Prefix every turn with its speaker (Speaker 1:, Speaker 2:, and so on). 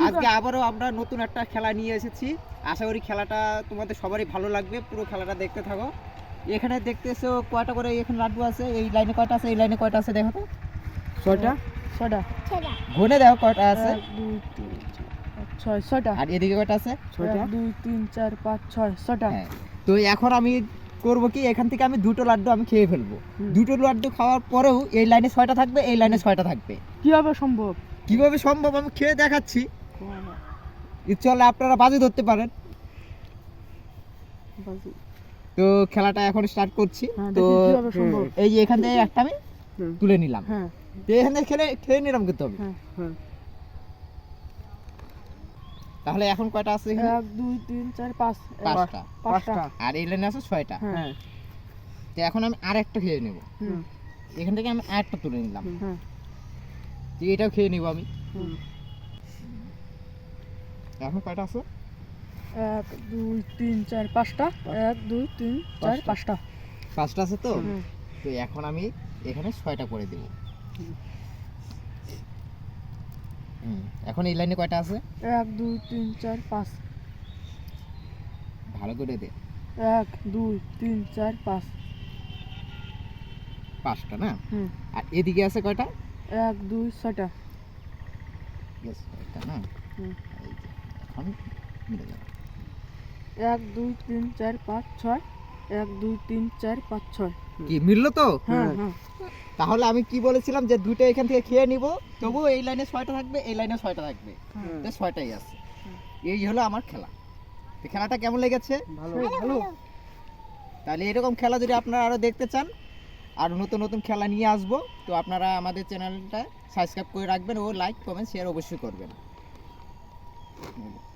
Speaker 1: আজকে আবারও আমরা নতুন একটা খেলা নিয়ে এসেছি। আশা করি খেলাটা তোমাদের সবারই ভালো লাগবে, পুরো খেলাটা দেখতে থাকো। এখানে দেখতেছো কয়টা করে এখানে লাড্ডু আছে, এই লাইনে কয়টা আছে, এই লাইনে কয়টা আছে দেখো তো।
Speaker 2: ছয়টা
Speaker 1: গুনে দেখো কয়টা আছে।
Speaker 2: 1 2 3 4 5 6 ছয়টা।
Speaker 1: আর এদিকে কয়টা আছে?
Speaker 2: 1 2 3 4 5 6 ছয়টা।
Speaker 1: হ্যাঁ, তো এখন আমি করব কি, এখান থেকে আমি দুটো লাড্ডু আমি খেয়ে ফেলবো। দুটো লাড্ডু খাওয়ার পরেও এই লাইনে 6টা থাকবে, এই লাইনে 6টা থাকবে।
Speaker 2: কিভাবে সম্ভব?
Speaker 1: কিভাবে সম্ভব আমি খেয়ে দেখাচ্ছি। চলে আপনারা বাজি ধরতে পারেন। তো খেলাটা এখন স্টার্ট করছি। তো
Speaker 2: কিভাবে সম্ভব?
Speaker 1: এই যে এখান থেকে একটা আমি তুলে নিলাম।
Speaker 2: হ্যাঁ
Speaker 1: তো এখান থেকে খেয়ে নিলাম কিন্তু আমি।
Speaker 2: হ্যাঁ।
Speaker 1: তাহলে এখন কয়টা আছে এখানে?
Speaker 2: 1 2 3 4 5
Speaker 1: 5টা।
Speaker 2: পাঁচটা।
Speaker 1: আর এই লাইনে আছে 6টা।
Speaker 2: হ্যাঁ
Speaker 1: তো এখন আমি আরেকটা খেয়ে নেব।
Speaker 2: হুম
Speaker 1: এখান থেকে আমি আরেকটা তুলে নিলাম।
Speaker 2: হ্যাঁ
Speaker 1: তো এটাও খেয়ে নিব আমি। এখন কয়টা আছে?
Speaker 2: 1 2 3 4 5টা 1 2 3 4 5টা
Speaker 1: 5টা আছে তো।
Speaker 2: হুম।
Speaker 1: তো এখন আমি এখানে 6টা করে দেব। এখন এই লাইনে কয়টা আছে?
Speaker 2: 1 2 3 4 5
Speaker 1: ভালো করে দে।
Speaker 2: 1 2 3 4 5
Speaker 1: 5টা না?
Speaker 2: হুম
Speaker 1: আর এদিকে আছে কয়টা?
Speaker 2: 1 2 6টা
Speaker 1: ইয়েস, এটা না।
Speaker 2: হুম।
Speaker 1: এই যে, এখন মিলে যাবে।
Speaker 2: 1 2 3 4 5 6 1 2 3 4 5 6
Speaker 1: কি মিললো তো?
Speaker 2: হ্যাঁ হ্যাঁ
Speaker 1: তাহলে আমি কি বলেছিলাম যে দুটো এখান থেকে খেয়ে নিব, তবুও এই লাইনে 6টা থাকবে, এই লাইনে 6টা থাকবে। তো 6টাই আছে। এই হলো আমার খেলা। তো খেলাটা কেমন লেগেছে?
Speaker 2: ভালো
Speaker 1: তাহলে এরকম খেলা যদি আপনারা আরো দেখতে চান, আর নতুন নতুন খেলা নিয়ে আসবো, তো আপনারা আমাদের চ্যানেলটা সাবস্ক্রাইব করে রাখবেন ও লাইক কমেন্ট শেয়ার অবশ্যই করবেন।